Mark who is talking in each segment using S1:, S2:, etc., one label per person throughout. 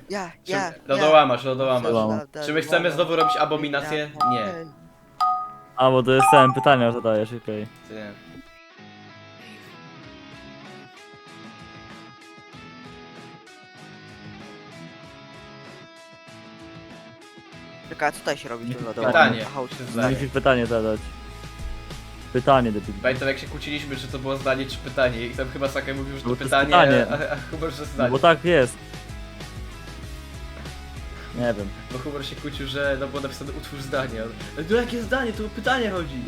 S1: Lodołamasz.
S2: Lodołamasz.
S1: Czy my chcemy znowu robić abominację? Nie.
S2: A, bo to jest ten, pytania zadajesz, okej.
S1: Nie.
S3: Czekaj, co tutaj się robi w tym lodołamasz?
S1: Pytanie.
S3: Aha, już
S1: Czy
S3: jest
S1: zdanie?
S2: Musisz pytanie zadać. Pytanie, debil.
S1: Pamiętam jak się kłóciliśmy, czy to było zdanie czy pytanie i tam chyba Sakai mówił, że to
S2: Bo to jest
S1: pytanie,
S2: pytanie.
S1: a Hubert, że
S2: No
S1: zdanie.
S2: bo tak jest. Nie wiem.
S1: Bo Hubert się kłócił, że no było napisane utwórz zdanie. Ale to jakie zdanie? Tu o pytanie chodzi.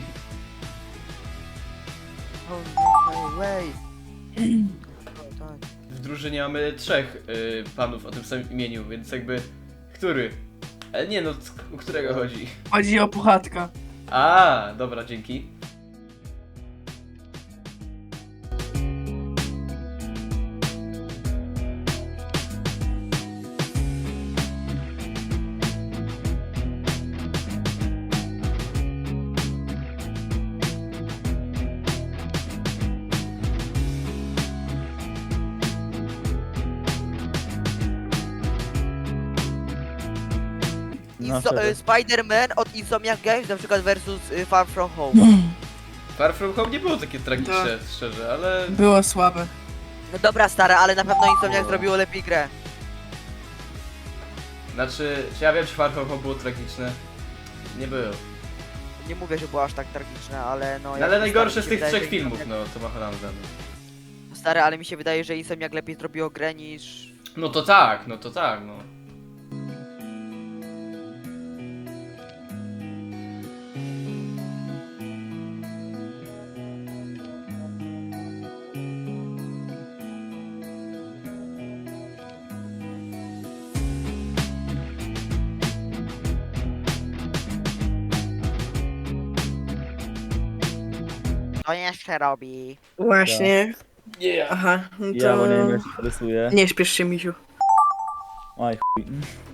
S3: Oh, no way. O, tak.
S1: W drużynie mamy 3 panów o tym samym imieniu, więc jakby... Który? Ale nie no, o którego chodzi?
S4: Chodzi o Puchatka.
S1: A, dobra, dzięki.
S2: No, wtedy.
S3: Spider-Man od Insomniac Games na przykład versus Far From Home.
S1: Far From Home nie było takie tragiczne, szczerze, ale...
S4: Było słabe.
S3: No dobra stara, ale na pewno Insomniac zrobiło lepiej grę.
S1: Znaczy, czy ja wiem, czy Far From Home było tragiczne? Nie było.
S3: Nie mówię, że było aż tak tragiczne, ale no...
S1: No,
S3: jak
S1: ale
S3: to
S1: najgorsze
S3: stary,
S1: z
S3: mi
S1: tych
S3: się wydaje,
S1: 3
S3: że
S1: filmów,
S3: Insomniac-
S1: no, to ma Holanda.
S3: Stary, ale mi się wydaje, że Insomniac lepiej zrobiło grę niż...
S1: No to tak, no.
S3: To jeszcze robi.
S4: Właśnie.
S1: Yeah.
S4: Aha, no to...
S2: Ja, bo nie wiem jak się rysuje.
S4: Nie śpiesz się, misiu.
S2: Aj, chuj.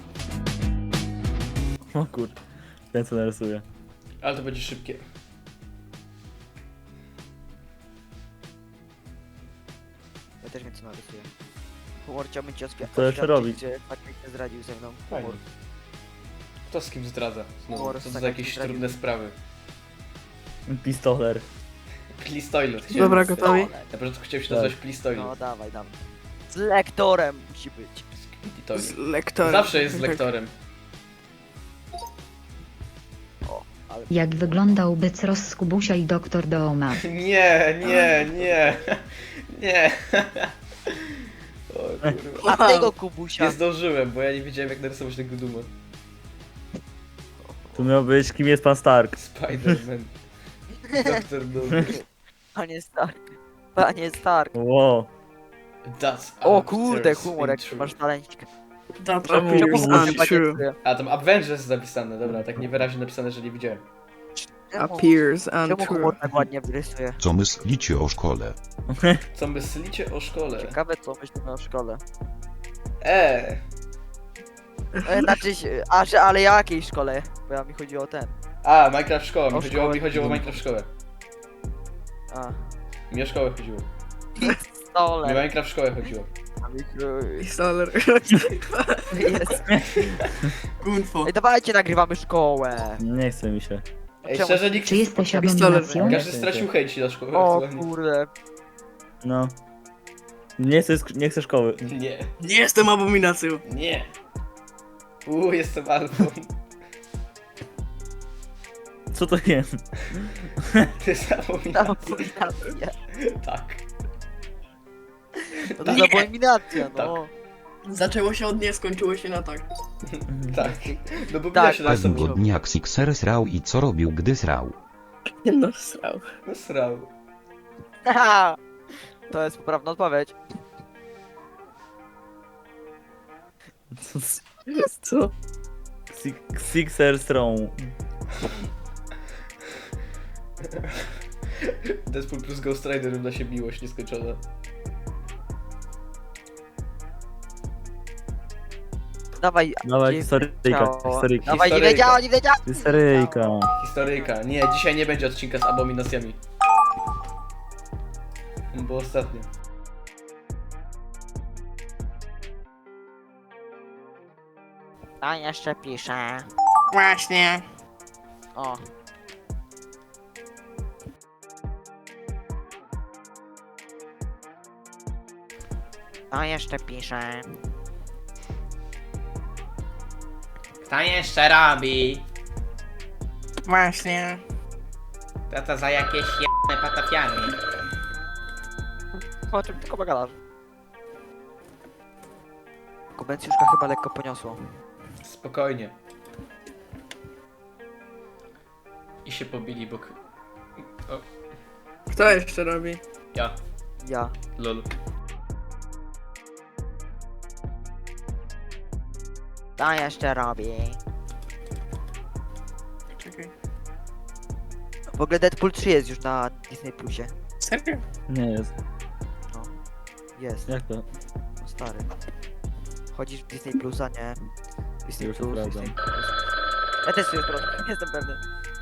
S2: O kur... Ten co narysuje.
S1: Ale to będzie szybkie.
S3: Ja też wiem co narysuję. Humor chciałbym ci
S2: Co jeszcze robić?
S3: Gdzie Patryk się zdradził ze mną.
S1: Fajnie.
S3: Humor.
S1: Kto z kim zdradza? Znowu,
S3: Humor,
S1: co to za
S3: Sakai
S1: jakieś
S3: zdradził.
S1: trudne sprawy.
S2: Pistoler.
S1: Please Toilet. chciałem-
S4: Dobra, gotowi?
S1: Na początku chciałem się
S2: Tak.
S1: nazwać Please Toilet.
S3: No dawaj. Z lektorem musi być.
S1: Skibidi Toilet.
S4: Z lektorem.
S1: Zawsze jest z
S4: Tak.
S1: lektorem.
S5: Jak wyglądał Bycros z Kubusia i doktor Dooma?
S1: Nie. Nie. O kurwa.
S3: A tego Kubusia.
S1: Nie zdążyłem, bo ja nie wiedziałem jak narysować tego duma.
S2: Tu miał być, kim jest pan Stark.
S1: Spider-Man. Doktor Doom.
S3: Panie Stark. Panie Stark.
S2: Wow.
S1: That's
S3: O kurde,
S1: Avengers
S3: humor, jak
S1: intro.
S3: masz talencik.
S4: That
S2: Czemu
S4: appears
S2: Kubuś
S3: Humor chyba nie
S4: untrue.
S3: czuje.
S1: A tam Avengers zapisane, dobra, tak niewyraźnie napisane, że nie widziałem.
S4: Appears
S3: Czemu
S4: untrue.
S3: humor tak ładnie wyrysuje?
S6: Co myślicie o szkole?
S1: Co myślicie o szkole?
S3: Ciekawe co myślimy o szkole. Znaczy, ale jakiej szkole? Bo ja mi chodzi o ten.
S1: A, Minecraft szkoła,
S3: O szkołę.
S1: mi chodziło o Minecraft szkołę.
S3: A.
S1: Mi o szkołę chodziło. Mi
S3: Stole.
S1: Minecraft szkołę chodziło.
S4: Pistoler.
S3: Jest.
S4: Gunfo.
S3: Ej, dawajcie, nagrywamy szkołę.
S2: Nie chce mi się.
S1: Ej,
S3: Czemu?
S1: szczerze nikt...
S5: Czy jesteś
S4: Pistolet.
S5: abominacją?
S1: Każdy stracił hejt na szkołę
S3: O
S1: aktualnie.
S3: kurde.
S2: No. Nie chcę szkoły.
S1: Nie,
S4: Nie jestem abominacją.
S1: nie. Jestem alfą.
S2: Co to jest?
S1: Ty jest abominacja.
S3: Abominacja.
S1: Tak.
S3: No to jest abominacja,
S1: Tak.
S3: no.
S4: Zaczęło się od nie, skończyło się na tak.
S1: Tak. No bo
S3: Tak,
S1: widać się na
S6: Pewnego
S1: sobie.
S6: dnia Xixer srał i co robił, gdy srał?
S4: No srał.
S1: No srał.
S3: Haha. To jest poprawna odpowiedź.
S4: Co?
S2: Sixer Strong.
S1: Deadpool plus Ghost Rider równa się miłość nieskończona.
S3: Dawaj.
S2: Dawaj,
S3: nie
S2: historyjka,
S3: wiedziało.
S2: historyjka.
S3: Dawaj, nie
S1: Historyjka.
S3: wiedziała, nie wiedziała.
S2: Historyjka.
S1: Historyjka. Nie, dzisiaj nie będzie odcinka z abominacjami. Bo ostatnio.
S3: A jeszcze pisze.
S4: Właśnie.
S3: O. A jeszcze pisze.
S1: Kto jeszcze robi?
S4: Właśnie.
S1: To za jakieś jebane patafiany.
S3: O czym tylko gadasz? Kubencjuszka chyba lekko poniosło.
S1: Spokojnie. I się pobili, bo... O,
S4: Kto jeszcze robi?
S1: ja.
S3: Ja.
S1: Lol.
S3: To jeszcze robi.
S4: Czekaj.
S3: W ogóle Deadpool 3 jest już na Disney Plusie.
S4: Serio?
S2: Nie jest.
S3: Jest.
S2: Jak to?
S3: No stary. Chodzisz w Disney Plusa, nie? Disney
S2: Już to
S3: Plus,
S2: prawda.
S3: Disney Plus. Ja też tu jest problem, jestem pewny.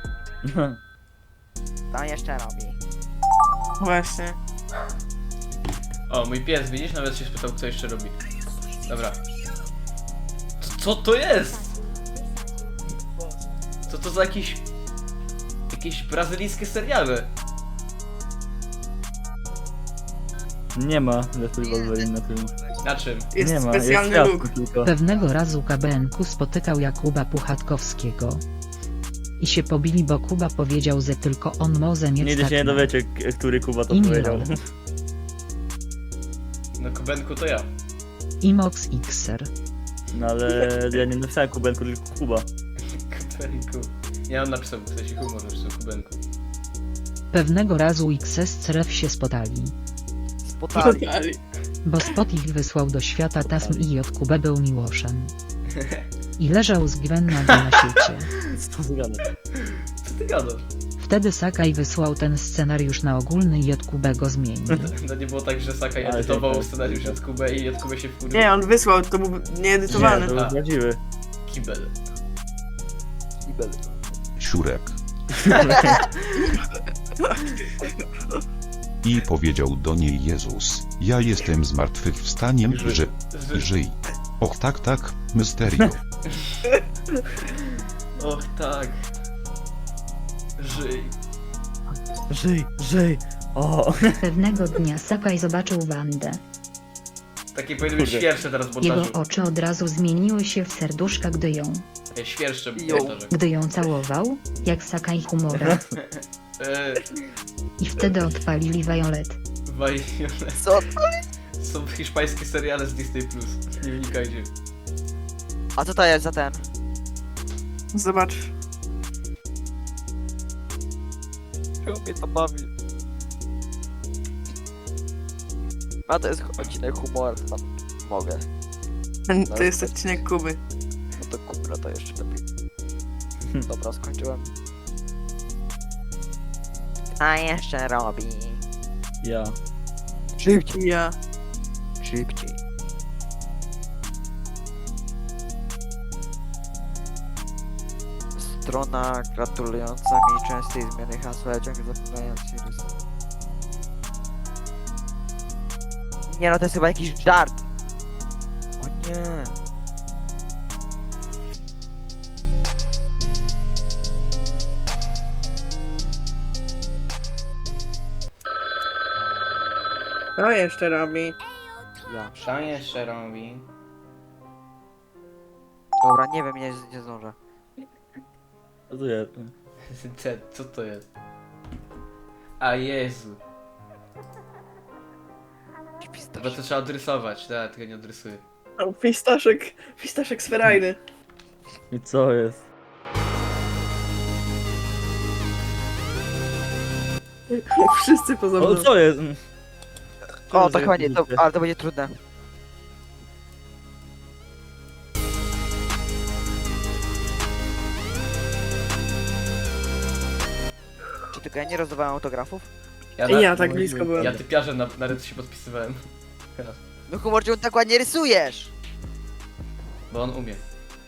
S3: To jeszcze robi.
S4: Właśnie.
S1: O, mój pies, widzisz? Nawet się spytał, co jeszcze robi. Dobra. Co to jest? Co to za jakieś brazylijskie seriale?
S2: Nie ma Deadpool Wolverine na tym.
S1: Na czym?
S4: Jest
S2: Nie ma,
S4: specjalny
S2: jest
S4: look.
S2: kwiatki tylko.
S5: Pewnego razu KBN-ku spotykał Jakuba Puchatkowskiego. I się pobili, bo Kuba powiedział, że tylko on może mieć
S2: Nigdy się nie
S5: taką.
S2: dowiecie, który Kuba to
S5: Imię
S2: powiedział.
S5: LOL.
S1: No Kubenku to ja.
S5: Imox Xer.
S2: No ale ja nie napisałem Kubenku, tylko Kuba.
S1: Kubenku. Nie, on napisał, w sensie humor napisał Kubenku.
S5: Pewnego razu XS Ceref się spotali.
S3: Spotali.
S4: Totalnie.
S5: Bo Spot ich wysłał do świata tasm i od Kubę był miłoszem. I leżał z Gwenna na świecie.
S2: Co ty gadasz?
S1: Co ty gadasz?
S5: Wtedy Sakaj wysłał ten scenariusz na ogólny i od Kubę go zmienił.
S1: No nie było tak, że Sakaj
S2: Ale
S1: edytował
S2: tak,
S1: scenariusz
S2: tak.
S1: od Kubę i od Kubę się wkurzył.
S4: Nie, on wysłał, to był nieedytowany.
S2: Nie, to był prawdziwy.
S1: Kibel.
S3: Kibel.
S6: Siurek. I powiedział do niej Jezus, ja jestem zmartwychwstaniem, żyj. Och tak, Mysterio.
S1: Och tak. Żyj.
S2: Żyj. O.
S5: Pewnego dnia Sakaj zobaczył Wandę.
S1: Takie powinny być
S2: Kurde.
S1: świerszcze teraz w
S5: Jego
S1: montażu.
S5: oczy od razu zmieniły się w serduszka,
S1: Świerszcze w
S3: Jo.
S1: montażu.
S5: gdy ją całował, jak Sakaj humora. I wtedy odpalili Violet.
S1: Violet.
S3: Co?
S1: Są hiszpańskie seriale z Disney+. Nie wnikajcie.
S3: A co to jest za ten?
S4: Zobacz.
S3: Czego mnie to bawi? A to jest odcinek humoru, tam mogę.
S4: To jest odcinek Kuby.
S3: No to kupra to jeszcze lepiej. Dobra, skończyłem. A jeszcze robi.
S2: Ja.
S3: Szybciej.
S4: Ja.
S3: Szybciej. Strona gratulująca mi częstej zmiany hasła, ja ciągle zapominając Sirius. Nie no, to jest chyba jakiś żart. O nie.
S4: To jeszcze robi.
S3: Ja.
S1: Co jeszcze robi?
S3: Dobra, nie wiem, nie zdążę.
S2: Co to jest?
S1: Co to jest? A Jezu. Chyba to trzeba odrysować, tak, tego nie odrysuję.
S4: O, pistaszek sferajny.
S2: I co jest?
S4: Wszyscy poza mną.
S2: O, co jest?
S3: O, to chyba nie, to, ale to będzie trudne. Czy tylko ja nie rozdawałem autografów?
S4: Ja tak blisko byłem.
S1: Ja typiarzem na ręce się podpisywałem.
S3: No humor, czemu tak ładnie rysujesz?
S1: Bo on umie.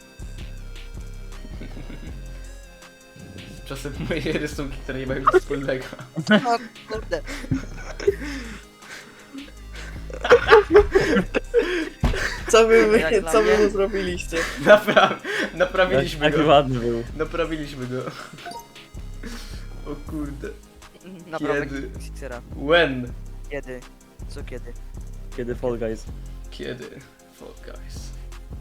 S1: Czasem moje rysunki, które nie mają nic wspólnego.
S3: O kurde.
S4: Co
S3: Jak dla
S4: co wy
S3: mnie.
S4: mu zrobiliście?
S1: Naprawiliśmy
S2: Taki
S1: go.
S2: ładny był.
S1: Naprawiliśmy go. O kurde.
S3: Naprawdę
S1: Kiedy?
S3: Sixera.
S1: When?
S3: Kiedy? Co kiedy?
S2: Kiedy Fall Guys.
S1: Kiedy? Fall Guys.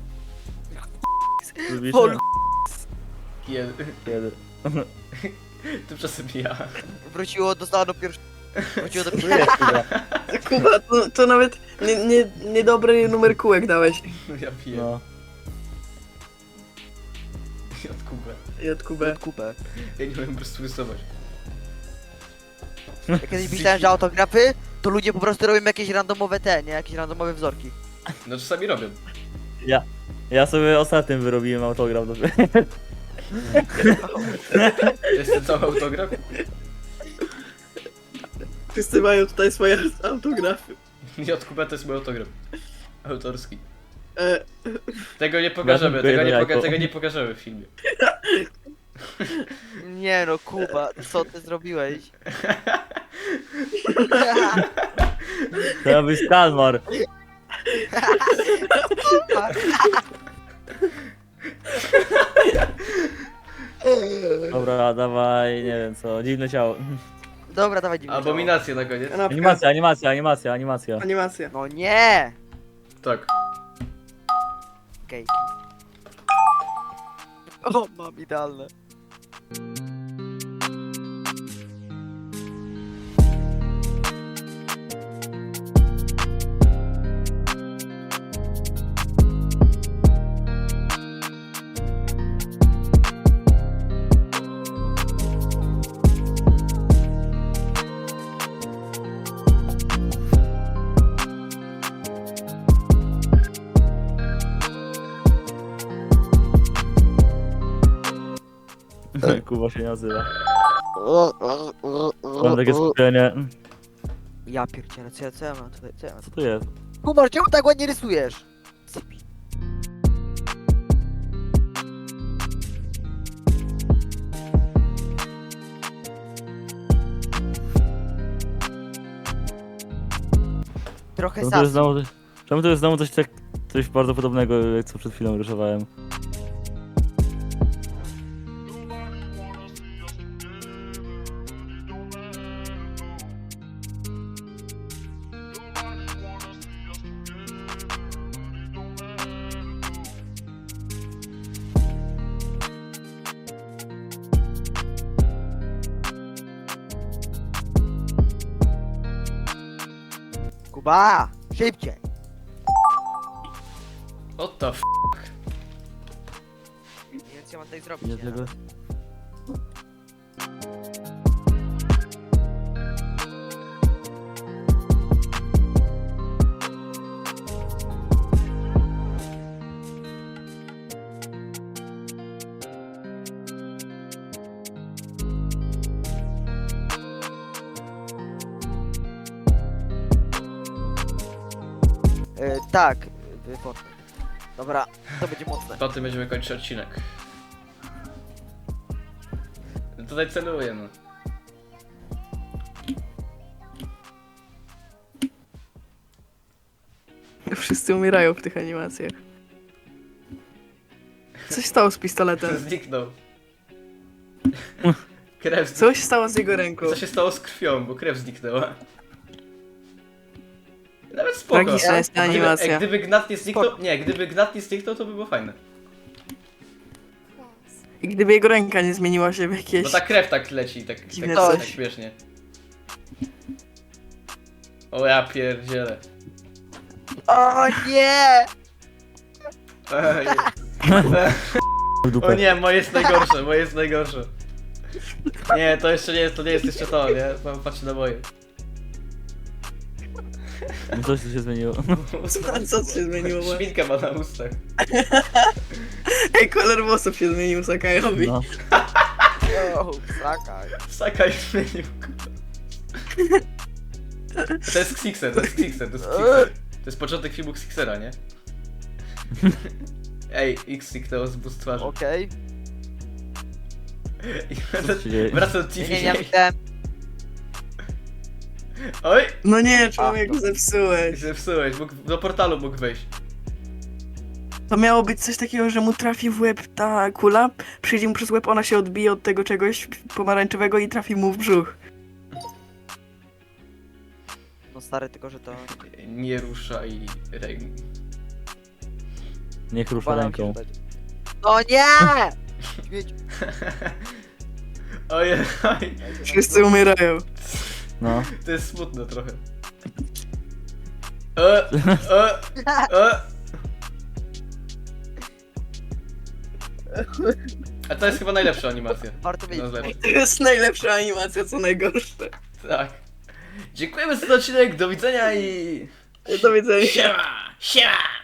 S2: Lubisz?
S3: Fall-
S1: Kiedy?
S2: Kiedy?
S1: Tymczasem ja.
S3: Wróciło do stanu pierwszego. Wróciło do
S2: Tu jest chyba.
S4: Kuba, to nawet niedobry numer kółek dałeś.
S1: No ja piję.
S2: No.
S1: I od Kubę.
S4: I od Kubę.
S3: kupę.
S1: Ja nie umiem po prostu rysować.
S3: Ja kiedyś myślałem, że autografy to ludzie po prostu robią jakieś randomowe nie? Jakieś randomowe wzorki.
S1: No czasami robią.
S2: Ja sobie ostatnim wyrobiłem autograf do
S1: To jest ten cały autograf.
S4: Wszyscy mają tutaj swoje autografy.
S1: I od Kubę to jest mój autograf. Autorski.
S4: E,
S1: Tego nie pokażemy,
S2: Jajko.
S1: tego nie pokażemy w filmie.
S3: Nie no, Kuba, co ty zrobiłeś?
S2: To miał być Kalmar. Dobra, dawaj, nie wiem co, dziwne ciało.
S3: Dobra, dawaj dziwnie.
S1: Abominacje na koniec.
S4: kanapka.
S2: Animacja.
S4: Animacja.
S3: No nie!
S1: Tak.
S3: Okej. O, mam idealne.
S2: Kuba się nie nazywa. Mam takie skupienie.
S3: Ja pierdzielę, co ja mam tutaj, co ja mam
S2: Co tu jest?
S3: Kubar, czemu tak ładnie rysujesz? Sypi. Trochę
S2: Czemu tu jest
S3: sas.
S2: znowu, czemu tu jest znowu coś bardzo podobnego, jak co przed chwilą rysowałem?
S3: Kuba, szybciej.
S1: What the f...
S3: Więc ja mam tak zrobić.
S2: Nie
S3: nie?
S2: tego.
S3: Tak, Fortnite. Dobra, to będzie mocne.
S1: Po tym będziemy kończyć odcinek. Tutaj celuję, no.
S4: Wszyscy umierają w tych animacjach. Coś stało z pistoletem.
S1: Zniknął. Krew zniknęła.
S4: Coś stało z jego ręką.
S1: Co się stało z krwią, bo krew zniknęła. Nawet spoko.
S4: Tragiczna jest ta animacja.
S1: Gdyby Gnat nie zniknął... Nie, gdyby Gnat nie zniknął, to by było fajne.
S4: I gdyby jego ręka nie zmieniła się w jakieś...
S1: Bo ta krew tak leci, tak
S4: Dziwne
S1: tak
S4: coś.
S1: śmiesznie. O ja pierdzielę.
S3: O nie!
S1: Ej.
S2: W dupę.
S1: O nie, moje jest najgorsze, moje jest najgorsze. Nie, to jeszcze nie jest, to nie jest jeszcze to, nie? Patrzcie na moje.
S2: Coś tu się zmieniło.
S4: Co się zmieniło?
S1: Szminkę ma na ustach.
S4: Ej, kolor włosów się zmienił Sakajowi.
S2: No.
S3: O, zakaj.
S1: Sakaj zmienił. To jest Xixer, to jest Xixer, to jest Xixer. To jest początek filmu Xixera, nie? Ej, X zniknęło z bust twarzy.
S3: Okej.
S2: Co się dzieje?
S1: Wracam do
S3: Nie,
S1: TV.
S3: nie, ja myślałem...
S1: Oj!
S4: No nie, człowieku, zepsułeś.
S1: Zepsułeś, do portalu mógł wejść.
S4: To miało być coś takiego, że mu trafi w łeb ta kula, przyjdzie mu przez łeb, ona się odbije od tego czegoś pomarańczowego i trafi mu w brzuch.
S3: No stary, tylko że to...
S1: Nie ruszaj ręki.
S2: Niech rusza
S3: Balam
S2: ręką.
S3: się dać. No nie! Śmieć.
S1: Ojej,
S4: Wszyscy umierają.
S2: No.
S1: to jest smutne trochę. E, e, e. A to jest chyba najlepsza animacja.
S3: Warto wiedzieć.
S1: No, lepsza.
S4: To jest najlepsza animacja, co najgorsze.
S1: Tak. Dziękujemy za ten odcinek, do widzenia i...
S4: Do widzenia.
S1: Siema! Siema!